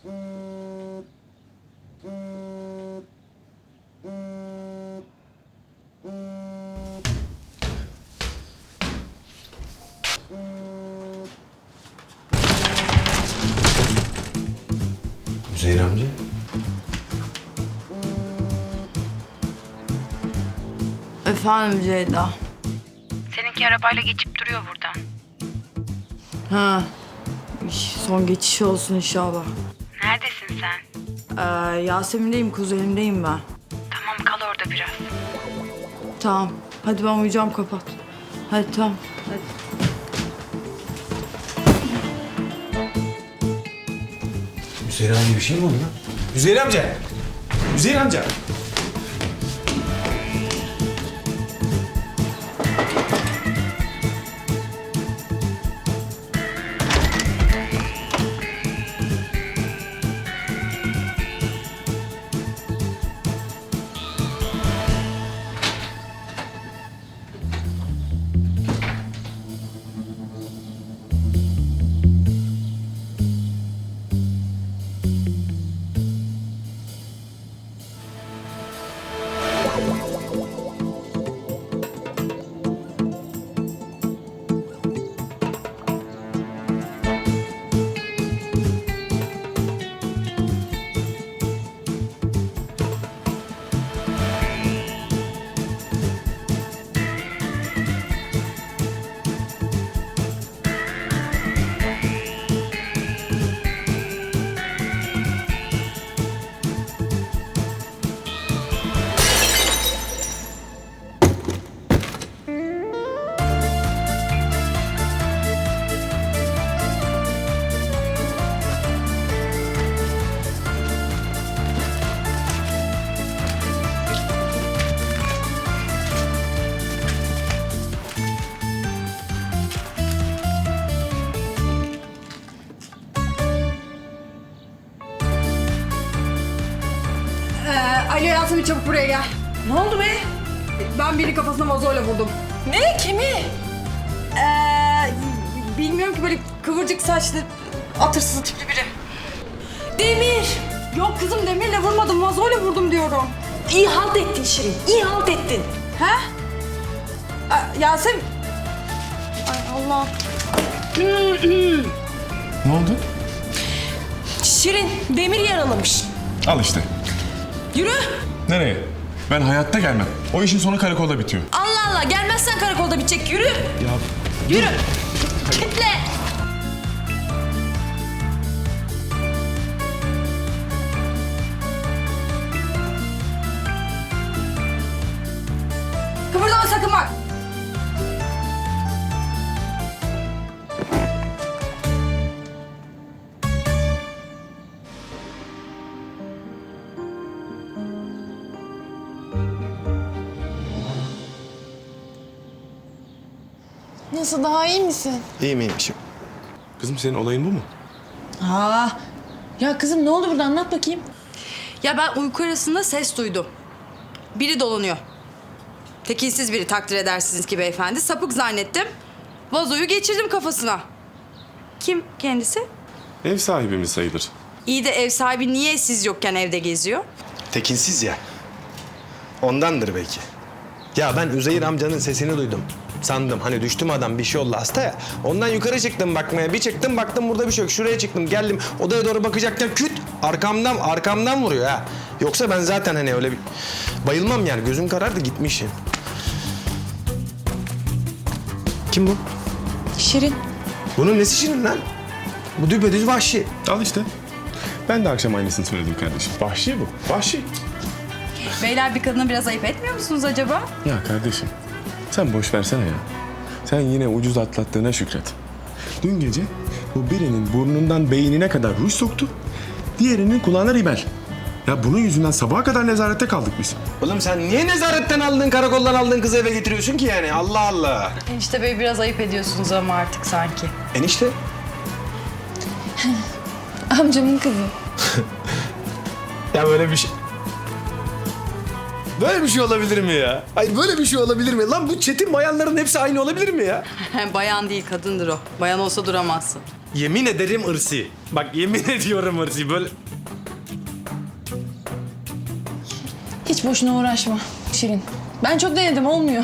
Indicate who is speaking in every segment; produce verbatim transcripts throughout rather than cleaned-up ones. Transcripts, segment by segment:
Speaker 1: Üzeyir amca.
Speaker 2: Efendim Ceyda.
Speaker 3: Seninki arabayla geçip duruyor buradan.
Speaker 2: Ha. İş, son geçiş olsun inşallah.
Speaker 3: Neredesin sen?
Speaker 2: Ee, Yasemin'deyim, kuzenimdeyim ben.
Speaker 3: Tamam, kal orada biraz.
Speaker 2: Tamam. Hadi ben uyuyacağım, kapat. Hadi tamam. Hadi.
Speaker 1: Üzeyir amca bir şey mi oldu lan? Üzeyir amca! Üzeyir amca!
Speaker 2: Alo Yasemin, çabuk buraya gel.
Speaker 4: Ne oldu be?
Speaker 2: Ben biri kafasına vazoyla vurdum.
Speaker 4: Ne? Kimi?
Speaker 2: Ee, bilmiyorum ki, böyle kıvırcık saçlı, atırsız tipli biri.
Speaker 4: Demir.
Speaker 2: Yok kızım, demirle vurmadım, vazoyla vurdum diyorum.
Speaker 4: İyi halt ettin Şirin. İyi halt ettin.
Speaker 2: He? Ee, Yasemin... Ay Allah.
Speaker 5: Ne oldu?
Speaker 4: Şirin, Demir yaralamış.
Speaker 5: Al işte.
Speaker 4: Yürü.
Speaker 5: Nereye? Ben hayatta gelmem. O işin sonu karakolda bitiyor.
Speaker 4: Allah Allah. Gelmezsen karakolda bitecek. Yürü.
Speaker 5: Ya
Speaker 4: Yürü. Kitle.
Speaker 2: Kıpırdama sakın bak.
Speaker 6: Nasıl, daha iyi misin?
Speaker 1: İyiyim iyiymişim.
Speaker 5: kızım senin olayın bu mu?
Speaker 4: Aa. Ya kızım ne oldu burada? Anlat bakayım.
Speaker 2: Ya ben uyku arasında ses duydum. Biri dolanıyor. Tekinsiz biri, takdir edersiniz ki beyefendi. Sapık zannettim. Vazoyu geçirdim kafasına. Kim kendisi?
Speaker 5: Ev sahibimiz sayılır.
Speaker 2: İyi de ev sahibi niye siz yokken evde geziyor?
Speaker 1: Tekinsiz ya. Ondandır belki. Ya ben Üzeyir amcanın sesini duydum. Sandım hani düştüm adam, bir şey oldu, hasta ya. Ondan yukarı çıktım bakmaya. Bir çıktım baktım burada bir şey yok. Şuraya çıktım geldim odaya doğru bakacakken küt arkamdan arkamdan vuruyor ha. Yoksa ben zaten hani öyle bir bayılmam yani, gözüm karardı gitmişim. Kim bu?
Speaker 4: Şirin.
Speaker 1: Bunun nesi Şirin lan? Bu düpedüz vahşi.
Speaker 5: Al işte. Ben de akşam aynısını söyledim kardeşim. Vahşi bu. Vahşi.
Speaker 2: Beyler, bir kadına biraz ayıp etmiyor musunuz acaba?
Speaker 5: Ya kardeşim sen boş versene ya. Sen yine ucuz atlattığına şükret. Dün gece bu birinin burnundan beynine kadar ruj soktu. Diğerinin kulağına ribel. Ya bunun yüzünden sabaha kadar nezarette kaldık biz.
Speaker 1: Oğlum sen niye nezaretten aldın, karakoldan aldığın kızı eve getiriyorsun ki yani? Allah Allah.
Speaker 2: Enişte bey, biraz ayıp ediyorsunuz ama artık sanki.
Speaker 1: Enişte.
Speaker 6: Amcamın kızı.
Speaker 1: Ya böyle bir şey... Böyle bir şey olabilir mi ya? Ay böyle bir şey olabilir mi? Lan bu çetin bayanların hepsi aynı olabilir mi ya?
Speaker 2: Bayan değil, kadındır o. Bayan olsa duramazsın.
Speaker 1: Yemin ederim ırsi. Bak yemin ediyorum ırsi. Böyle
Speaker 4: Hiç boşuna uğraşma Şirin. Ben çok denedim olmuyor.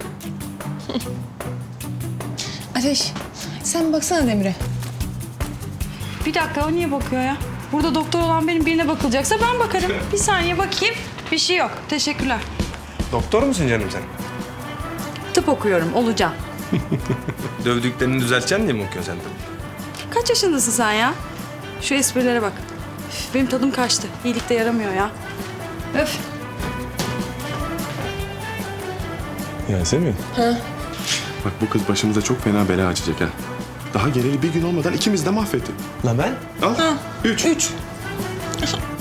Speaker 4: Ateş sen baksana Demir'e.
Speaker 2: Bir dakika o niye bakıyor ya? Burada doktor olan benim birine bakılacaksa ben bakarım. Bir saniye bakayım. Bir şey yok. Teşekkürler.
Speaker 1: doktor musun canım sen?
Speaker 2: Tıp okuyorum. Olacağım.
Speaker 1: Dövdüklerini düzelteceksin diye mi okuyorsun sen tabii?
Speaker 2: Kaç yaşındasın sen ya? Şu esprilere bak. Üf, benim tadım kaçtı. İyilik de yaramıyor ya. Öf.
Speaker 5: Yasemin. Ha? Bak bu kız başımıza çok fena bela açacak ha. Daha geleli bir gün olmadan ikimiz de mahvetti.
Speaker 1: La ben?
Speaker 5: Al. Üç.
Speaker 4: Üç.